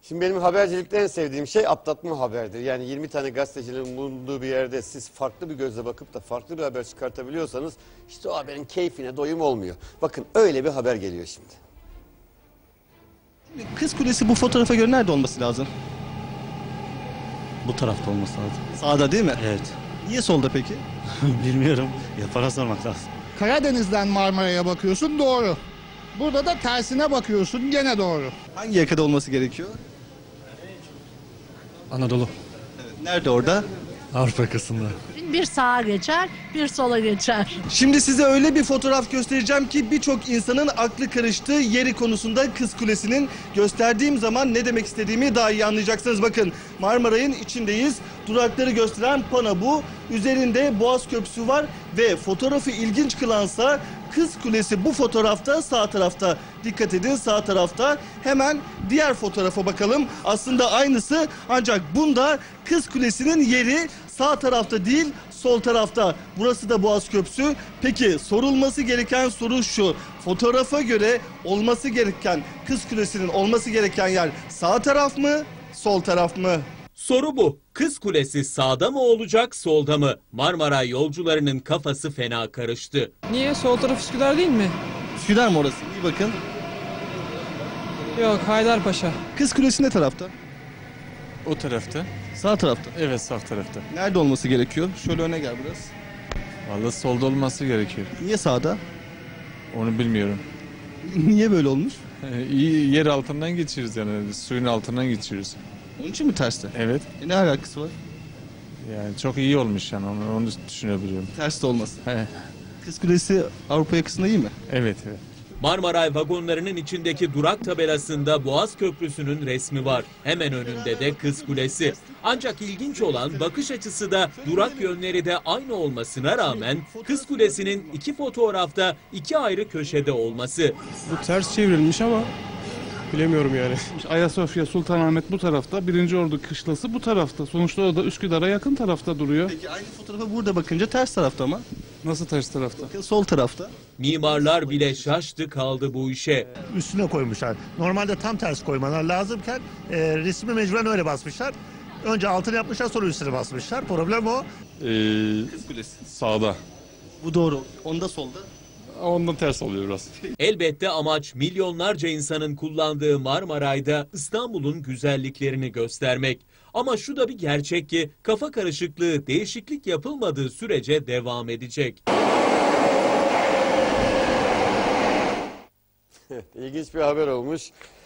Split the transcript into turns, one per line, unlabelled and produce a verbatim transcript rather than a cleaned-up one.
Şimdi benim habercilikte en sevdiğim şey atlatma haberdir. Yani yirmi tane gazetecinin bulunduğu bir yerde siz farklı bir gözle bakıp da farklı bir haber çıkartabiliyorsanız işte o haberin keyfine doyum olmuyor. Bakın öyle bir haber geliyor şimdi.
Kız Kulesi bu fotoğrafa göre nerede olması lazım?
Bu tarafta olması lazım.
Sağda değil mi?
Evet.
Niye solda peki?
Bilmiyorum. Yapara sormak lazım.
Karadeniz'den Marmara'ya bakıyorsun, doğru. Burada da tersine bakıyorsun, gene doğru.
Hangi yakada olması gerekiyor?
Anadolu.
Evet. Nerede orada?
Avrupa yakasında.
Bir sağa geçer, bir sola geçer.
Şimdi size öyle bir fotoğraf göstereceğim ki birçok insanın aklı karıştığı yeri konusunda Kız Kulesi'nin. Gösterdiğim zaman ne demek istediğimi daha iyi anlayacaksınız. Bakın Marmaray'ın içindeyiz. Durakları gösteren pano bu. Üzerinde Boğaz Köprüsü var ve fotoğrafı ilginç kılansa Kız Kulesi bu fotoğrafta sağ tarafta. Dikkat edin, sağ tarafta. Hemen diğer fotoğrafa bakalım. Aslında aynısı, ancak bunda Kız Kulesi'nin yeri sağ tarafta değil, sol tarafta. Burası da Boğaz Köprüsü. Peki sorulması gereken soru şu: fotoğrafa göre olması gereken, Kız Kulesi'nin olması gereken yer sağ taraf mı, sol taraf mı?
Soru bu. Kız Kulesi sağda mı olacak, solda mı? Marmara yolcularının kafası fena karıştı.
Niye? Sol taraf Üsküdar değil mi?
Üsküdar mı orası? İyi bakın.
Yok, Haydarpaşa.
Kız Kulesi ne tarafta?
O tarafta.
Sağ tarafta.
Evet, sağ tarafta.
Nerede olması gerekiyor? Şöyle öne gel biraz.
Vallahi solda olması gerekiyor.
Niye sağda?
Onu bilmiyorum.
Niye böyle olmuş?
İyi, yer altından geçiyoruz yani, suyun altından geçiyoruz.
Onun için mi terste?
Evet.
E ne alakası var?
Yani çok iyi olmuş yani, onu, onu düşünebiliyorum.
Ters de olması.
He.
Kız Kulesi Avrupa yakasında iyi mi?
Evet, evet.
Marmaray vagonlarının içindeki durak tabelasında Boğaz Köprüsü'nün resmi var. Hemen önünde de Kız Kulesi. Ancak ilginç olan bakış açısı da durak yönleri de aynı olmasına rağmen Kız Kulesi'nin iki fotoğrafta iki ayrı köşede olması.
Bu ters çevrilmiş ama bilemiyorum yani. Ayasofya, Sultanahmet bu tarafta, Birinci Ordu Kışlası bu tarafta. Sonuçta o da Üsküdar'a yakın tarafta duruyor.
Peki aynı fotoğrafa burada bakınca ters tarafta ama.
Nasıl ters tarafta?
Bakın sol tarafta.
Mimarlar bile şaştı kaldı bu işe.
Üstüne koymuşlar. Normalde tam ters koymalar lazımken e, resmi mecburen öyle basmışlar. Önce altını yapmışlar, sonra üstüne basmışlar. Problem o.
Ee,
Kız Kulesi.
sağda.
Bu doğru. Onda solda.
Ondan ters oluyor biraz.
Elbette amaç milyonlarca insanın kullandığı Marmaray'da İstanbul'un güzelliklerini göstermek. Ama şu da bir gerçek ki kafa karışıklığı değişiklik yapılmadığı sürece devam edecek.
İlginç bir haber olmuş.